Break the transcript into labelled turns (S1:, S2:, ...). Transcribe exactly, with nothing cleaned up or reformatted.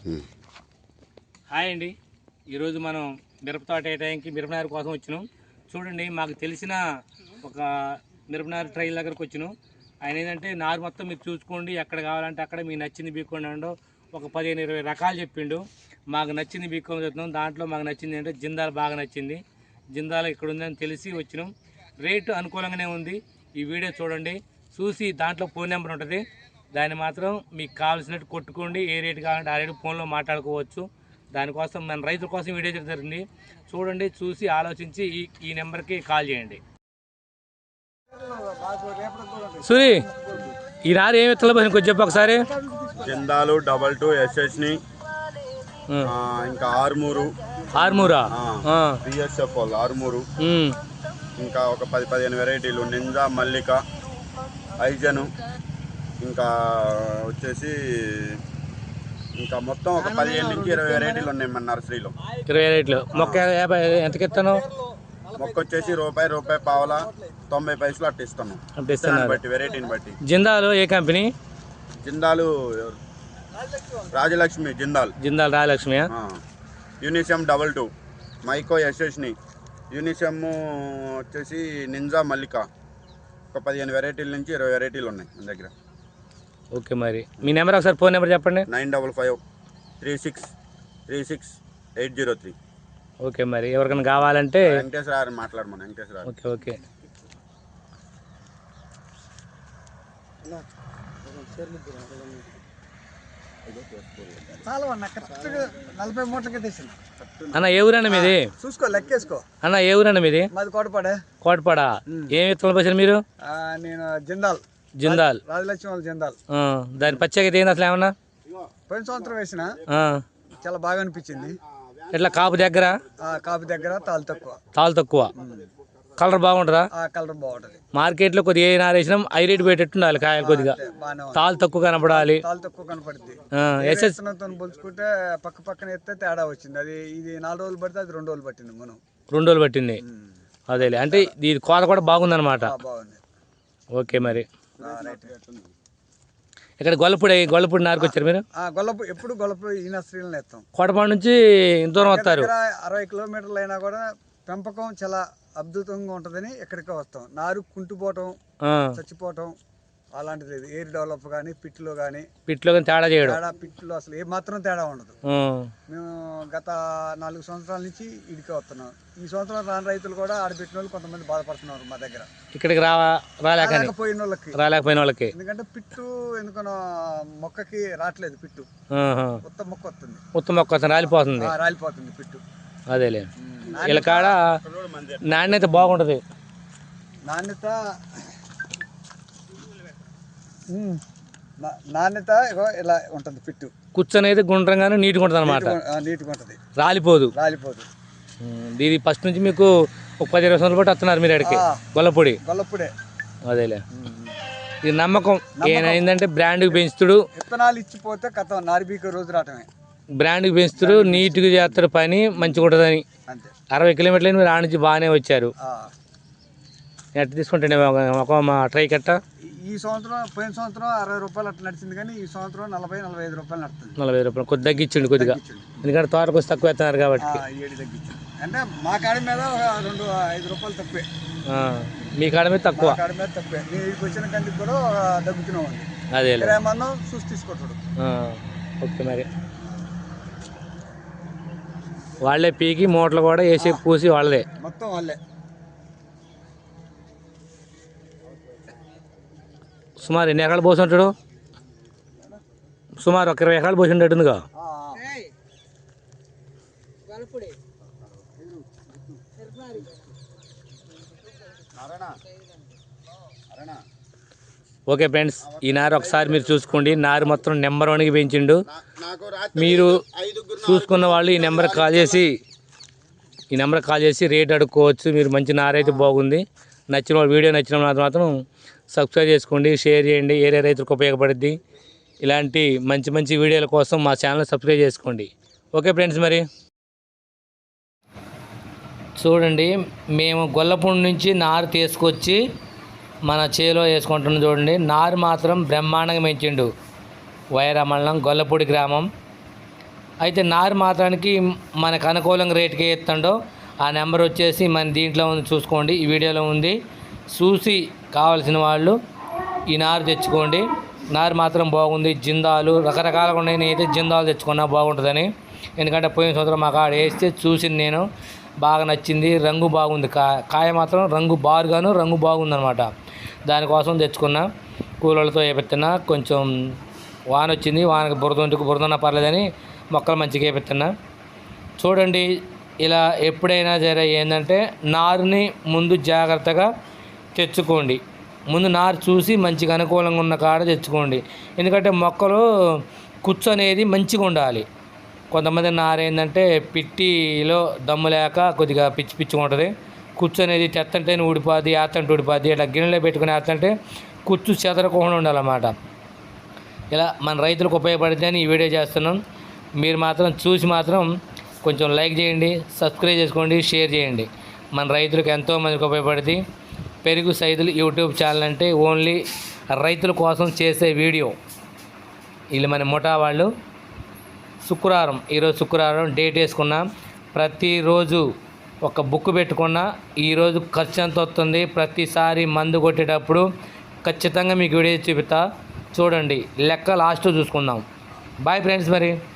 S1: Hi అండి, ఈరోజు మనం మిరప తోట వేయడానికి మిరపనారు కోసం వచ్చినాం. చూడండి, మాకు తెలిసిన ఒక మిరపనారు ట్రైల్ దగ్గరకు వచ్చినాం. ఆయన ఏంటంటే నారు మొత్తం మీరు చూసుకోండి, ఎక్కడ కావాలంటే అక్కడ మీకు నచ్చింది బీక్కోండి అండో ఒక పదిహేను ఇరవై రకాలు చెప్పిండు. మాకు నచ్చింది బీక్కొని చెప్తున్నాం. దాంట్లో మాకు నచ్చింది ఏంటంటే జిందాల్ బాగా నచ్చింది. జిందాల్ ఇక్కడ ఉందని తెలిసి వచ్చినాం. రేటు అనుకూలంగానే ఉంది. ఈ వీడియో చూడండి, చూసి దాంట్లో ఫోన్ నెంబర్ ఉంటుంది, దాన్ని మాత్రం మీకు కావాల్సినట్టు కొట్టుకోండి. ఏ రేటు కావాలంటే ఆ రేటు ఫోన్లో మాట్లాడుకోవచ్చు. దానికోసం మన రైతుల కోసం వీడియో జరుగుతుంది. చూడండి, చూసి ఆలోచించి ఈ ఈ నెంబర్కి కాల్ చేయండి. సూరి, ఈ నారు ఏమి ఎత్తలో కొంచెం చెప్పు ఒకసారి.
S2: జిందాలు డబల్ టూ ఎస్ఎస్ని, ఇంకా ఆర్మూరు
S1: ఆర్మూరా
S2: బిఎస్ఎఫ్ వాళ్ళు ఆర్మూరు, ఇంకా ఒక పది పదిహేను వెరైటీలు నింజా, మల్లిక, ఐజను, ఇంకా వచ్చేసి ఇంకా మొత్తం ఒక పదిహేను నుంచి ఇరవై వెరైటీలు ఉన్నాయి మన నర్సరీలో.
S1: ఇరవై వెరైటీలు. మొక్క ఎంతకి ఇస్తాను?
S2: మొక్క వచ్చేసి రూపాయి రూపాయి పావలా తొంభై పైసలు అట్ట ఇస్తాను, బట్టి వెరైటీని బట్టి.
S1: జిందాలు ఏ company?
S2: Jindal Rajalakshmi Jindal
S1: Jindal Rajalakshmi.
S2: Unisem double two, Mahyco యశస్ని, యూనిసెమ్ వచ్చేసి నింజా, మల్లిక, ఒక పదిహేను వెరైటీల నుంచి ఇరవై వెరైటీలు ఉన్నాయి మన దగ్గర.
S1: ఓకే, మరి మీ నెంబర్ ఒకసారి ఫోన్ నెంబర్ చెప్పండి.
S2: Nine double five three six three six eight zero three.
S1: Okay, మరి ఎవరికైనా కావాలంటే
S2: వెంకటేశ్వర మాట్లాడమని. వెంకటేశ్వర.
S1: ఓకే ఓకే అన్న, ఏ ఊరన్న మీది?
S3: చూసుకో, లెక్కేసుకో
S1: అన్న. ఏ ఊరన్న మీది?
S3: మాది కోటపాడ.
S1: కోటపాడ. ఏమి విత్తనాలు పోసారు మీరు?
S3: నేను జిందాల్
S1: జిందాల్
S3: రాజలక్ష్మి వాళ్ళు జిందాల్.
S1: దాని ప్రత్యేకత ఏంది అసలు ఏమన్నా?
S3: పోయిన సంవత్సరం వేసిన చాలా బాగా అనిపించింది.
S1: ఎట్లా కాపు దగ్గర?
S3: కాపు దగ్గర తాలు తక్కువ.
S1: తాలు తక్కువ. కలర్ బాగుంటుందా?
S3: కలర్ బాగుంటది.
S1: మార్కెట్ లో కొద్దిగా ఏ నారు వేసినా ఐ రేట్ పెట్టేట్టు ఉండాలి. కాయలు కొద్దిగా తాలు తక్కువ కనపడాలి.
S3: తాలు తక్కువ కనపడుద్ది.
S1: ఎస్ఎస్
S3: పోల్చుకుంటే పక్క పక్కన ఎత్తే తేడా వచ్చింది. అది ఇది నాలుగు రోజులు పడితే అది రెండు రోజులు పట్టింది. మనం రెండు
S1: రోజులు పట్టింది. అదేలే, అంటే ఇది కోత కూడా బాగుంది అనమాట.
S3: బాగుంది.
S1: ఓకే, మరి ఇక్కడ గొల్లపూడి గొల్లపూడి నారుకు వచ్చారు మీరు?
S3: గొల్లపూడి ఎప్పుడు గొల్లపూడి ఈ నర్సరీలో ఎత్తాం.
S1: కోటపాడు నుంచి దూరం వస్తారు.
S3: అరవై కిలోమీటర్లు అయినా కూడా పెంపకం చాలా అద్భుతంగా ఉంటుందని ఎక్కడికో వస్తాం. నారు కుంటుపోవటం, చచ్చిపోవటం అలాంటిది ఎయిర్ డెవలప్ కానీ పిట్లో కానీ
S1: పిట్లో కానీ తేడా చేయడం.
S3: తేడా పిట్లో అసలు ఏ మాత్రం తేడా ఉండదు. మేము గత నాలుగు సంవత్సరాల నుంచి ఇడికే వస్తున్నాం. ఈ సంవత్సరం రాని రైతులు కూడా ఆడబెట్టిన వాళ్ళు కొంతమంది బాధపడుతున్నారు మా దగ్గర.
S1: ఇక్కడికి రా రాలేకపోయిన
S3: వాళ్ళకి
S1: రాలేకపోయిన వాళ్ళకి ఎందుకంటే
S3: పిట్టు ఎందుకనో మొక్కకి రావట్లేదు. పిట్టు ఉత్త మొక్క వస్తుంది,
S1: ఉత్త మొక్క వస్తుంది, రాలిపోతుంది
S3: రాలిపోతుంది పిట్టు.
S1: అదేలే, ఇలా కాడ నాణ్యత బాగుంటది.
S3: నాణ్యత నాణ్యత ఇలా ఉంటుంది. పిట్టు
S1: కూర్చొనేది గుండ్రంగానే నీట్గా ఉంటుంది అనమాట.
S3: నీట్గా ఉంటుంది,
S1: రాలిపోదు
S3: రాలిపోదు.
S1: ఇది ఫస్ట్ నుంచి మీకు ఒక పది ఇరవై సంవత్సరాలు బట్టి వస్తున్నారు మీరు అడిగి గొల్లపొడి.
S3: గొల్లపొడే.
S1: అదేలే, ఇది నమ్మకం. ఏంటంటే బ్రాండ్కి పెంచుతుడు,
S3: విత్తనాలు ఇచ్చిపోతే కథ నారిబీక రోజు రావటమే.
S1: బ్రాండ్కి పెంచుతుడు, నీట్గా చేస్తారు, పని మంచిగా ఉంటుందని. అరవై కిలోమీటర్లు మీరు ఆ నుంచి బాగానే వచ్చారు. ఎట్లా తీసుకుంటే ఒక మా ట్రై కట్ట
S3: ఈ సంవత్సరం పోయిన సంవత్సరం అరవై రూపాయలు అట్లా నడిచింది, కానీ ఈ సంవత్సరం నలభై నలభై ఐదు రూపాయలు నడుతుంది.
S1: నలభై ఐదు రూపాయలు కొద్ది తగ్గించండి కొద్దిగా, ఎందుకంటే తోటకు వచ్చి తక్కువ వేస్తున్నారు కాబట్టి.
S3: ఏడు తగ్గించండి అంటే మా కాడి మీద రెండు ఐదు రూపాయలు తక్కువే.
S1: మీ కాడ మీద తక్కువ,
S3: కాడి మీద తక్కువే. నేను ఇక్కడికి వచ్చిన కంటికి కూడా తగ్గుతూనే ఉంది.
S1: అదే
S3: మనం చూసి తీసుకుంటాడు.
S1: ఓకే, మరి వాళ్ళే పీకి మూటలు కూడా వేసి పూసి వాళ్ళే
S3: మొత్తం వాళ్ళే.
S1: సుమారు ఎన్ని ఎకరాలు పోసి ఉంటాడు? సుమారు ఒక ఇరవై ఎకరాలు పోసి ఉండేటుందిగా. ఓకే ఫ్రెండ్స్, ఈ నారు ఒకసారి మీరు చూసుకోండి. నారు మొత్తం నెంబర్ వన్కి పెంచిండు. మీరు చూసుకున్న వాళ్ళు ఈ నెంబర్కి కాల్ చేసి ఈ నెంబర్కి కాల్ చేసి రేట్ అడుక్కోవచ్చు. మీరు మంచి నారు అయితే బాగుంది. నచ్చిన వాళ్ళు, వీడియో నచ్చిన వాళ్ళు మాత్రం సబ్స్క్రైబ్ చేసుకోండి, షేర్ చేయండి. ఏరియా రైతులకు ఉపయోగపడుద్ది. ఇలాంటి మంచి మంచి వీడియోల కోసం మా ఛానల్ సబ్స్క్రైబ్ చేసుకోండి. ఓకే ఫ్రెండ్స్, మరి చూడండి, మేము గొల్లపూడి నుంచి నారు తీసుకొచ్చి మన చేలో వేసుకుంటున్నాం. చూడండి, నారు మాత్రం బ్రహ్మాండంగా పెంచిండు. వైరా మండలం గొల్లపూడి గ్రామం. అయితే నారు మాత్రానికి మనకు అనుకూలంగా రేటుకి ఇస్తుండో ఆ నెంబర్ వచ్చేసి మన దీంట్లో ఉంది, చూసుకోండి, ఈ వీడియోలో ఉంది. చూసి కావాల్సిన వాళ్ళు ఈ నారు తెచ్చుకోండి. నారు మాత్రం బాగుంది. జిందాలు రకరకాలుగా ఉన్నాయి. నేనైతే జిందాలు తెచ్చుకున్నా బాగుంటుందని, ఎందుకంటే పోయిన సంవత్సరం మాకు ఆడ వేస్తే చూసింది నేను, బాగా నచ్చింది. రంగు బాగుంది, కా కాయ మాత్రం రంగు బారుగాను రంగు బాగుందనమాట. దానికోసం తెచ్చుకున్నా. కూలర్లతో వేపెత్తున్నా. కొంచెం వాన వచ్చింది, వానకు బురద బురదన్నా పర్లేదని మొక్కలు మంచిగా వేపెత్తున్నా. చూడండి, ఇలా ఎప్పుడైనా సరే ఏంటంటే నారుని ముందు జాగ్రత్తగా తెచ్చుకోండి. ముందు నారు చూసి మంచిగా అనుకూలంగా ఉన్న కాడ తెచ్చుకోండి. ఎందుకంటే మొక్కలు కుచ్చు అనేది మంచిగా ఉండాలి. కొంతమంది నారు ఏంటంటే పిట్టిలో దమ్ము లేక కొద్దిగా పిచ్చి పిచ్చిగా ఉంటుంది. కుచ్చు అనేది తెత్తంటే ఊడిపోద్ది, ఏత్తంటే ఊడిపోద్ది. ఇట్లా గిన్నెలో పెట్టుకుని ఏత్తంటే కుచ్చు చెదరకుండా ఉండాలన్నమాట. ఇలా మన రైతులకు ఉపయోగపడితే అని ఈ వీడియో చేస్తున్నాం. మీరు మాత్రం చూసి మాత్రం కొంచెం లైక్ చేయండి, సబ్స్క్రైబ్ చేసుకోండి, షేర్ చేయండి. మన రైతులకు ఎంతోమందికి ఉపయోగపడుతుంది. పెరుగు సైదులు యూట్యూబ్ ఛానల్ అంటే ఓన్లీ రైతుల కోసం చేసే వీడియో. వీళ్ళు మన ముఠా వాళ్ళు. శుక్రవారం, ఈరోజు శుక్రవారం డేట్ వేసుకున్నా. ప్రతిరోజు ఒక బుక్ పెట్టుకున్నా ఈరోజు ఖర్చు ఎంత వస్తుంది, ప్రతిసారి మందు కొట్టేటప్పుడు ఖచ్చితంగా మీకు వీడియో చూపిస్తా. చూడండి, లెక్క లాస్ట్ చూసుకుందాం. Bye friends. మరి